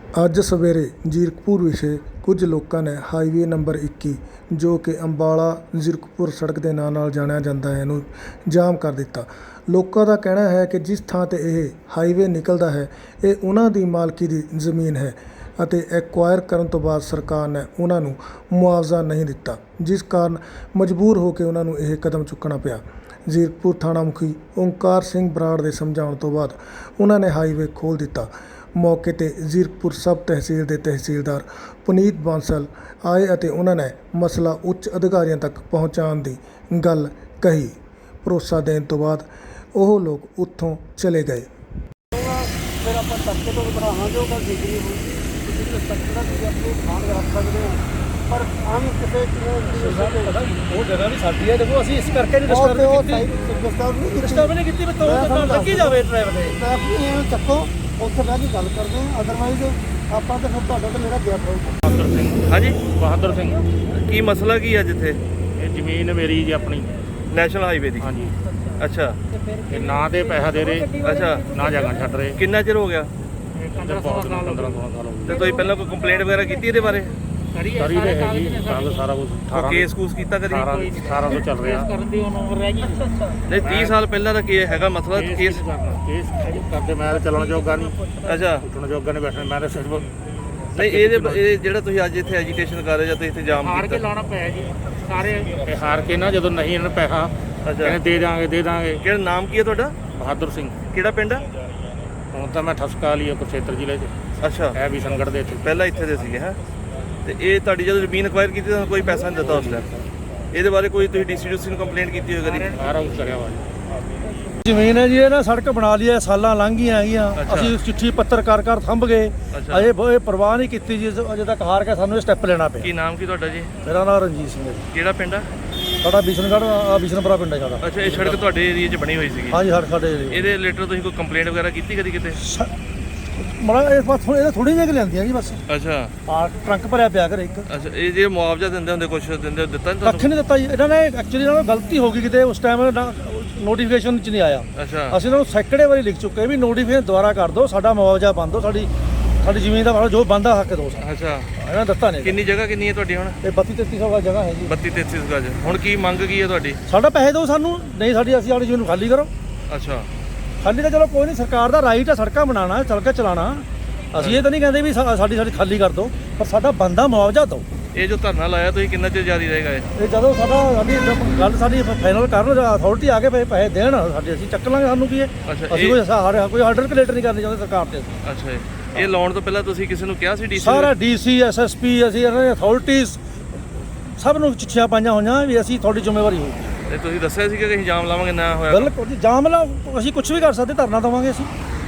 ਅੱਜ ਸਵੇਰੇ ਜ਼ੀਰਕਪੁਰ ਵਿਖੇ ਕੁਝ ਲੋਕਾਂ ਨੇ ਹਾਈਵੇ ਨੰਬਰ 21 ਜੋ ਕਿ ਅੰਬਾਲਾ ਜ਼ੀਰਕਪੁਰ ਸੜਕ ਦੇ ਨਾਂ ਨਾਲ ਜਾਣਿਆ ਜਾਂਦਾ ਹੈ ਨੂੰ ਜਾਮ ਕਰ ਦਿੱਤਾ। ਲੋਕਾਂ ਦਾ ਕਹਿਣਾ ਹੈ ਕਿ ਜਿਸ ਥਾਂ 'ਤੇ ਇਹ ਹਾਈਵੇ ਨਿਕਲਦਾ ਹੈ ਇਹ ਉਹਨਾਂ ਦੀ ਮਾਲਕੀ ਦੀ ਜ਼ਮੀਨ ਹੈ ਅਤੇ ਐਕਵਾਇਰ ਕਰਨ ਤੋਂ ਬਾਅਦ ਸਰਕਾਰ ਨੇ ਉਹਨਾਂ ਨੂੰ ਮੁਆਵਜ਼ਾ ਨਹੀਂ ਦਿੱਤਾ, ਜਿਸ ਕਾਰਨ ਮਜਬੂਰ ਹੋ ਕੇ ਉਹਨਾਂ ਨੂੰ ਇਹ ਕਦਮ ਚੁੱਕਣਾ ਪਿਆ। ਜ਼ੀਰਕਪੁਰ ਥਾਣਾ ਮੁਖੀ ਓਂਕਾਰ ਸਿੰਘ ਬਰਾੜ ਦੇ ਸਮਝਾਉਣ ਤੋਂ ਬਾਅਦ ਉਹਨਾਂ ਨੇ ਹਾਈਵੇ ਖੋਲ੍ਹ ਦਿੱਤਾ। ਮੌਕੇ 'ਤੇ ਜ਼ੀਰਕਪੁਰ ਸਬ ਤਹਿਸੀਲ ਦੇ ਤਹਿਸੀਲਦਾਰ ਪੁਨੀਤ ਬਾਂਸਲ ਆਏ ਅਤੇ ਉਹਨਾਂ ਨੇ ਮਸਲਾ ਉੱਚ ਅਧਿਕਾਰੀਆਂ ਤੱਕ ਪਹੁੰਚਾਉਣ ਦੀ ਗੱਲ ਕਹੀ। ਭਰੋਸਾ ਦੇਣ ਤੋਂ ਬਾਅਦ ਉਹ ਲੋਕ ਉੱਥੋਂ ਚਲੇ ਗਏ। ਫਿਰ ਆਪਾਂ ਤੱਕੇ ਤੋਂ ਬਣਾਵਾਂਗੇ ਉਹ ਗੱਲ ਜ਼ਿਕਰੀ ਹੋਊਗੀ ਤੁਸੀਂ ਤੱਕੇ ਦਾ ਤੁਸੀਂ ਆਪਣੇ ਖਾਣ ਰੱਖ ਸਕਦੇ ਹੋ, ਪਰ ਆਮ ਕਿਸੇ ਉਹ ਜਗ੍ਹਾ ਵੀ ਸਾਡੀ ਹੈ। ਦੇਖੋ ਅਸੀਂ ਇਸ ਕਰਕੇ ਨਹੀਂ ਡਿਸਟਰਬ ਨਹੀਂ ਕੀਤੀ ਵੀ ਤੋਂ ਲੱਗੀ ਜਾਵੇ ਡਰਾਈਵਰ ਦੇ ਟ੍ਰੈਫਿਕ ਇਹਨੂੰ ਚੱਕੋ, ਉੱਥੇ ਬਹਿ ਕੇ ਗੱਲ ਕਰਦੇ ਹਾਂ। ਅਦਰਵਾਈਜ਼ ਆਪਾਂ ਤਾਂ ਫਿਰ ਤੁਹਾਡਾ ਤਾਂ ਮੇਰਾ ਗੈਪ ਹੋਊਗਾ। ਬਹਾਦਰ ਸਿੰਘ। ਹਾਂਜੀ, ਬਹਾਦਰ ਸਿੰਘ। ਕੀ ਮਸਲਾ ਕੀ ਹੈ ਜਿੱਥੇ ਇਹ ਜ਼ਮੀਨ ਮੇਰੀ ਜੀ ਆਪਣੀ ਨੈਸ਼ਨਲ ਹਾਈਵੇ ਦੀ? ਹਾਂਜੀ। ਅੱਛਾ ਇਹ ਨਾ ਤੇ ਪੈਸਾ ਦੇ ਰਹੇ, ਅੱਛਾ, ਨਾ ਜਗ੍ਹਾ ਛੱਡ ਰਹੇ। ਕਿੰਨਾ ਚਿਰ ਹੋ ਗਿਆ? 15-16 ਸਾਲ ਹੋ ਗਏ। ਤੇ ਤੁਸੀਂ ਪਹਿਲਾਂ ਕੋਈ ਕੰਪਲੇਂਟ ਵਗੈਰਾ ਕੀਤੀ ਇਹਦੇ ਬਾਰੇ? ਕਰੀ ਰਹੇ ਹੈ ਜੀ, ਸਾਰਾ ਕੁਝ। ਕੋਈ ਕੇਸ ਕੂਸ ਕੀਤਾ ਕਦੀ? 18 ਤੋਂ ਚੱਲ ਰਿਹਾ। ਨਹੀਂ 30 ਸਾਲ ਪਹਿਲਾਂ ਦਾ ਕੀ ਹੈਗਾ ਮਸਲਾ? ਕੇਸ ਕਰਦੇ ਮੈਂ ਤਾਂ ਚੱਲਣ ਜੋਗਾ ਨਹੀਂ, ਅੱਛਾ, ਉੱਠਣ ਜੋਗਾ ਨਹੀਂ, ਬੈਠਣ ਮੈਂ ਤਾਂ ਸਿਰਫ ਨਹੀਂ ਇਹ ਜਿਹੜਾ ਤੁਸੀਂ ਅੱਜ ਇੱਥੇ ਐਜੀਟੇਸ਼ਨ ਕਰ ਰਹੇ ਜਾਂ ਤੁਸੀਂ ਇੱਥੇ ਜਾਮ ਹਾਰ ਕੇ ਕੀਤਾ? ਲਾਉਣਾ ਪਿਆ ਜੀ ਸਾਰੇ। ਇਹ ਹਾਰ ਕੇ ਨਾ ਜਦੋਂ ਨਹੀਂ ਇਹਨਾਂ ਨੂੰ ਪੈਸਾ ਕਹਿੰਦੇ ਦੇ ਦਾਂਗੇ। ਕਿਹੜਾ ਨਾਮ ਕੀ ਹੈ ਤੁਹਾਡਾ? ਬਹਾਦਰ ਸਿੰਘ। ਕਿਹੜਾ ਪਿੰਡ ਹੈ? ਹੁਣ ਤਾਂ ਮੈਂ ਠਸਕਾ ਲਈ ਕੁਰੂਕਸ਼ੇਤਰ ਜ਼ਿਲ੍ਹੇ 'ਚ ਅੱਛਾ, ਹੈ ਵੀ ਸੰਗੜ ਦੇ ਇੱਥੇ। ਪਹਿਲਾਂ ਇੱਥੇ ਦੇ ਸੀਗੇ ਹੈ। ਤੇ ਇਹ ਤੁਹਾਡੀ ਜਦੋਂ ਜ਼ਮੀਨ ਅਕਵਾਇਰ ਕੀਤੀ ਤਾਂ ਕੋਈ ਪੈਸਾ ਨਹੀਂ ਦਿੱਤਾ ਉਸ ਟਾਈਮ? ਇਹਦੇ ਬਾਰੇ ਕੋਈ ਤੁਸੀਂ ਡੀਸੀ ਨੂੰ ਕੰਪਲੇਂਟ ਕੀਤੀ ਹੋਈ ਕਦੀ? ਸਾਰਾ ਕੁਝ ਕਰਿਆ ਵਾ ਜੀ। ਜ਼ਮੀਨ ਹੈ ਜੀ, ਇਹ ਨਾ ਸੜਕ ਬਣਾ ਲਈ ਹੈ, ਸਾਲਾਂ ਲੰਘ ਗਈਆਂ ਹੈਗੀਆਂ। ਅੱਛਾ। ਅਸੀਂ ਚਿੱਠੀ ਪੱਤਰ ਕਰ ਥੰਬ ਗਏ, ਅੱਛਾ। ਅਜੇ ਇਹ ਪਰਵਾਹ ਨਹੀਂ ਕੀਤੀ ਜੀ, ਅਜੇ ਤੱਕ ਹਾਰ ਕੇ ਸਾਨੂੰ ਇਹ ਸਟੈਪ ਲੈਣਾ ਪਿਆ। ਕੀ ਨਾਮ ਕੀ ਤੁਹਾਡਾ ਜੀ? ਮੇਰਾ ਨਾਮ ਰਣਜੀਤ ਸਿੰਘ ਹੈ ਜੀ। ਕਿਹੜਾ ਪਿੰਡ ਆ? ਸਾਡਾ ਬਿਸ਼ਨਗੜ੍ਹ ਬਿਸ਼ਨਪੁਰਾ ਪਿੰਡ ਹੈ ਸਾਡਾ। ਅੱਛਾ, ਇਹ ਸੜਕ ਤੁਹਾਡੇ ਏਰੀਆ 'ਚ ਬਣੀ ਹੋਈ ਸੀਗੀ? ਹਾਂਜੀ, ਸਾਡੇ ਇਹਦੇ ਰਿਲੇਟਡ ਤੁਸੀਂ ਕੋਈ ਕੰਪਲੇਂਟ ਵਗੈਰਾ ਕੀਤੀ ਕਦੀ ਕਿਤੇ? ਮੜਾ ਇਹ ਬਸ ਇਹਦੇ ਥੋੜ੍ਹੀਆਂ ਜਿਹੀਆਂ ਲੈਂਦੀਆਂ ਜੀ ਬਸ। ਅੱਛਾ ਆ ਟਰੰਕ ਭਰਿਆ ਪਿਆ ਘਰੇ ਇੱਕ। ਅੱਛਾ, ਇਹ ਜੇ ਮੁਆਵਜ਼ਾ ਦਿੰਦੇ ਹੁੰਦੇ ਕੁਛ ਦਿੰਦੇ ਦਿੱਤਾ ਨਹੀਂ ਕੱਖ ਤੁਹਾਨੂੰ? ਨਹੀਂ ਦਿੱਤਾ ਜੀ ਇਹਨਾਂ ਨੇ। ਐਕਚੁਅਲੀ ਇਹਨਾਂ ਨੂੰ ਗਲਤੀ ਹੋ ਗਈ ਕਿਤੇ, ਉਸ ਟਾਈਮ ਨੋਟੀਫਿਕੇਸ਼ਨ 'ਚ ਨਹੀਂ ਆਇਆ। ਅੱਛਾ, ਅਸੀਂ ਇਹਨਾਂ ਨੂੰ ਸੈਂਕੜੇ ਵਾਰੀ ਲਿਖ ਚੁੱਕੇ ਵੀ ਨੋਟੀਫਿਕੇਸ਼ਨ ਦੁਬਾਰਾ ਕਰ ਦਿਓ, ਸਾਡਾ ਮੁਆਵਜ਼ਾ ਬੰਦ ਦਿਓ, ਸਾਡੀ ਜ਼ਮੀਨ ਦਾ ਜੋ ਬੰਦਾ ਹੱਕ ਦਿਓ। ਅੱਛਾ, ਇਹਨਾਂ ਨੇ ਦਿੱਤਾ ਨਹੀਂ। ਕਿੰਨੀ ਜਗ੍ਹਾ ਕਿੰਨੀ ਹੈ ਤੁਹਾਡੀ ਹੁਣ? ਇਹ 32-33 ਵਾਲੀ ਜਗ੍ਹਾ ਹੈ ਜੀ। 32-33 ਗਜ। ਹੁਣ ਕੀ ਮੰਗ ਕੀ ਹੈ ਤੁਹਾਡੀ? ਸਾਡਾ ਪੈਸੇ ਦਿਓ ਸਾਨੂੰ, ਨਹੀਂ ਅਸੀਂ ਸਾਡੀ ਜ਼ਮੀਨ ਨੂੰ ਖਾਲੀ ਕਰੋ। ਅੱਛਾ, ਖਾਲੀ ਤਾਂ ਚਲੋ ਕੋਈ ਨਹੀਂ, ਸਰਕਾਰ ਦਾ ਰਾਈਟ ਹੈ ਸੜਕਾਂ ਬਣਾਉਣਾ, ਸੜਕਾਂ ਚਲਾਉਣਾ। ਅਸੀਂ ਇਹ ਤਾਂ ਨਹੀਂ ਕਹਿੰਦੇ ਵੀ ਸਾਡੀ ਖਾਲੀ ਕਰ ਦਿਓ, ਪਰ ਸਾਡਾ ਬੰਦਾ ਮੁਆਵਜ਼ਾ ਦਿਓ। ਇਹ ਜੋ ਧਰਨਾ ਲਾਇਆ ਤੁਸੀਂ ਕਿੰਨਾ ਚਿਰ ਜਾਰੀ ਰਹੇਗਾ ਇਹ? ਇਹ ਜਦੋਂ ਸਾਡੀ ਫਾਈਨਲ ਕਰਨ, ਅਥਾਰਟੀ ਆ ਕੇ ਪੈਸੇ ਦੇਣ ਸਾਡੇ, ਅਸੀਂ ਚੱਕ ਲਾਂਗੇ। ਸਾਨੂੰ ਕੀ ਹੈ, ਅੱਛਾ, ਅਸੀਂ ਕੋਈ ਆਰਡਰ ਕਲੇਟਰ ਨਹੀਂ ਕਰਨੀ ਚਾਹੁੰਦੇ ਸਰਕਾਰ ਤੇ। ਅੱਛਾ, ਇਹ ਲਾਉਣ ਤੋਂ ਪਹਿਲਾਂ ਤੁਸੀਂ ਕਿਸੇ ਨੂੰ ਕਿਹਾ ਸੀ? ਡੀਸੀ ਸਾਰਾ ਡੀਸੀ ਐਸਐਸਪੀ ਅਸੀਂ ਇਹਨਾਂ ਦੇ ਅਥਾਰਟੀਜ਼ ਸਭ ਨੂੰ ਚਿੱਠੀਆਂ ਪਾਈਆਂ ਹੋਈਆਂ ਵੀ ਅਸੀਂ ਤੁਹਾਡੀ ਜ਼ਿੰਮੇਵਾਰੀ ਹੋਊਗੀ। ਤੇ ਤੁਸੀਂ ਦੱਸਿਆ ਸੀ ਕਿ ਅਸੀਂ ਜਾਮ ਲਾਵਾਂਗੇ, ਨਾ ਹੋਇਆ? ਬਿਲਕੁਲ ਜੀ, ਜਾਮ ਲਾ ਅਸੀਂ ਕੁਝ ਵੀ ਕਰ ਸਕਦੇ, ਧਰਨਾ ਦੇਵਾਂਗੇ ਅਸੀਂ।